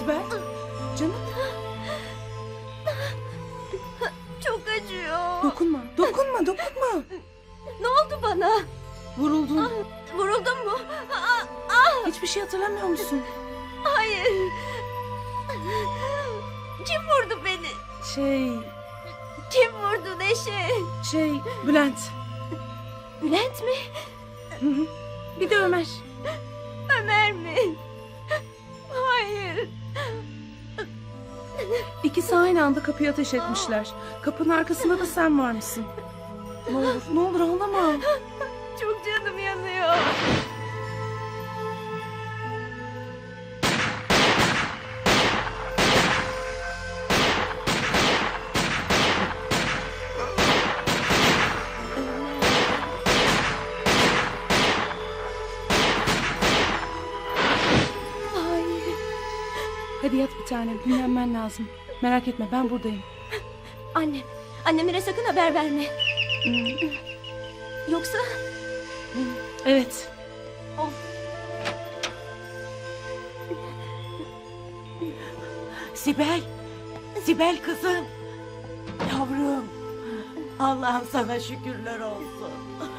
Sibel. Canım. Çok acıyor. Dokunma. Dokunma. Dokunma. Ne oldu bana? Vuruldun. Vuruldum mu? Hiçbir şey hatırlamıyor musun? Hayır. Kim vurdu beni? Kim vurdu Neşe? Bülent. Bülent mi? Hı hı. Bir de Ömer. Ömer mi? Hayır. İkisi aynı anda kapıyı ateş etmişler. Kapının arkasında da sen varmışsın. Ne olur ağlama. Çok canım yanıyor. Hayır. Hadi yat bir tanem. Dinlenmen lazım. Merak etme ben buradayım. Annem. Annemlere sakın haber verme. Yoksa... Evet. Of. Sibel. Sibel kızım. Yavrum. Allah'ım sana şükürler olsun.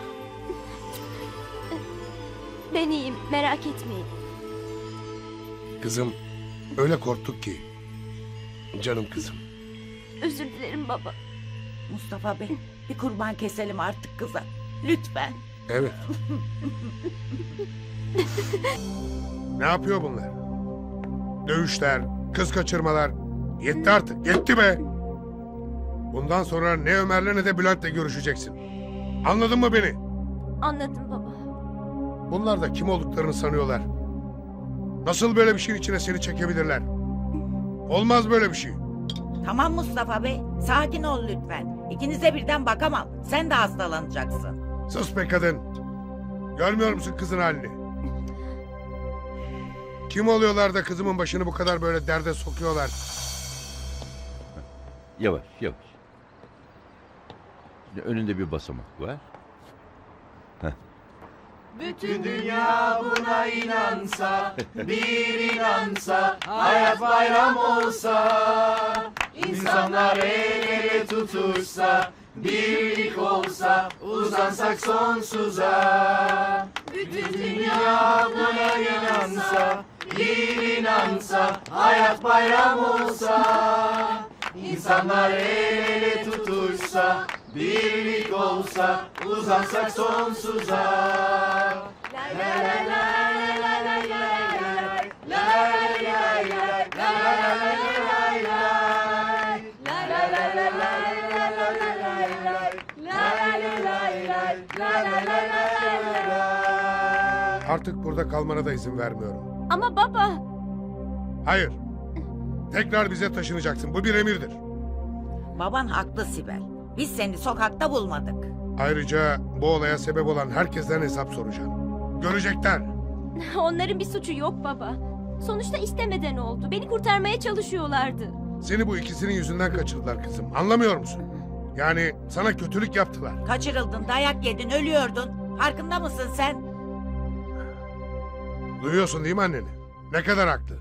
Ben iyiyim. Merak etmeyin. Kızım öyle korktuk ki. Canım kızım. Özür dilerim baba. Mustafa Bey, bir kurban keselim artık kıza. Lütfen. Evet. Ne yapıyor bunlar? Dövüşler, kız kaçırmalar. Yetti artık, yetti be. Bundan sonra ne Ömer'le ne de Bülent'le görüşeceksin. Anladın mı beni? Anladım baba. Bunlar da kim olduklarını sanıyorlar. Nasıl böyle bir şeyin içine seni çekebilirler? Olmaz böyle bir şey. Tamam Mustafa Bey, sakin ol lütfen. İkinize birden bakamam. Sen de hastalanacaksın. Sus be kadın. Görmüyor musun kızın halini? Kim oluyorlar da kızımın başını bu kadar böyle derde sokuyorlar? Yavaş yavaş. Önünde bir basamak var. Bütün dünya buna inansa, bir inansa, hayat bayram olsa, insanlar el ele tutuşsa, birlik olsa, uzansak sonsuza. Bütün dünya buna inansa, bir inansa, hayat bayram olsa, insanlar el ele tutuşsa, birlik olsa, uzansak sonsuza. Artık burada kalmana da izin vermiyorum. Ama baba. Hayır. Tekrar bize taşınacaksın. Bu bir emirdir. Baban haklı Sibel. Biz seni sokakta bulmadık. Ayrıca bu olaya sebep olan herkesten hesap soracağım. Görecekler. Onların bir suçu yok baba. Sonuçta istemeden oldu. Beni kurtarmaya çalışıyorlardı. Seni bu ikisinin yüzünden kaçırdılar kızım. Anlamıyor musun? Yani sana kötülük yaptılar. Kaçırıldın, dayak yedin, ölüyordun. Farkında mısın sen? Duyuyorsun değil mi anneni? Ne kadar haklı.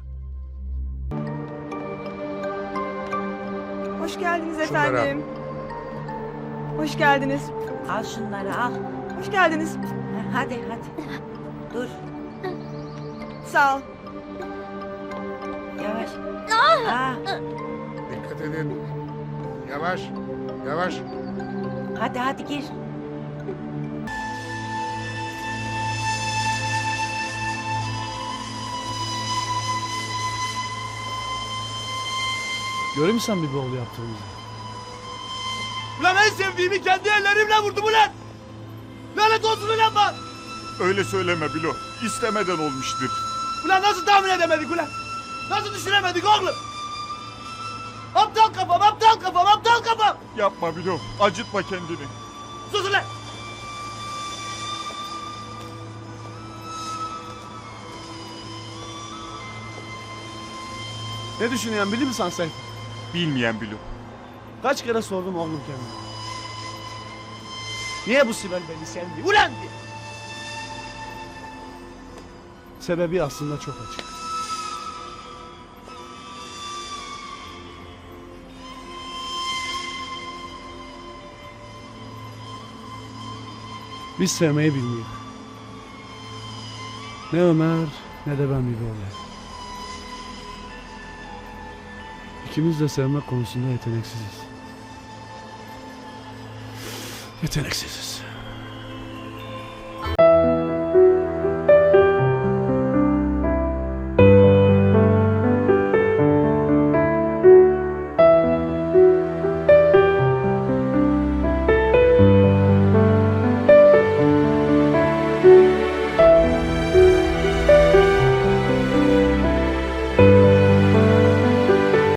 Hoş geldiniz Şunları efendim. Hoş geldiniz. Al şunları al. Hoş geldiniz. Hadi. Dur, Sağ ol. yavaş. Dikkat edin. Yavaş. Yavaş. Hadi gir. Görür müsün bir bol yaptığımızı? Ulan en sevdiğimi kendi ellerimle vurdum ulan! Lanet olsun ulan bak! Öyle söyleme Bilo. İstemeden olmuştur. Ulan nasıl tahmin edemedik ulan? Nasıl düşünemedik oğlum? Aptal kafam! Yapma Bilo. Acıtma kendini. Sus ulan! Ne düşünüyorsun bilir misin sen? Bilmeyen Bilo. Kaç kere sordum oğlum kendime. Niye bu Sibel beni sevdi? Ulan diye! Sebebi aslında çok açık. Biz sevmeyi bilmiyoruz. Ne Ömer ne de ben Bibi oğlu. İkimiz de sevmek konusunda yeteneksiziz. Yeteneksiziz.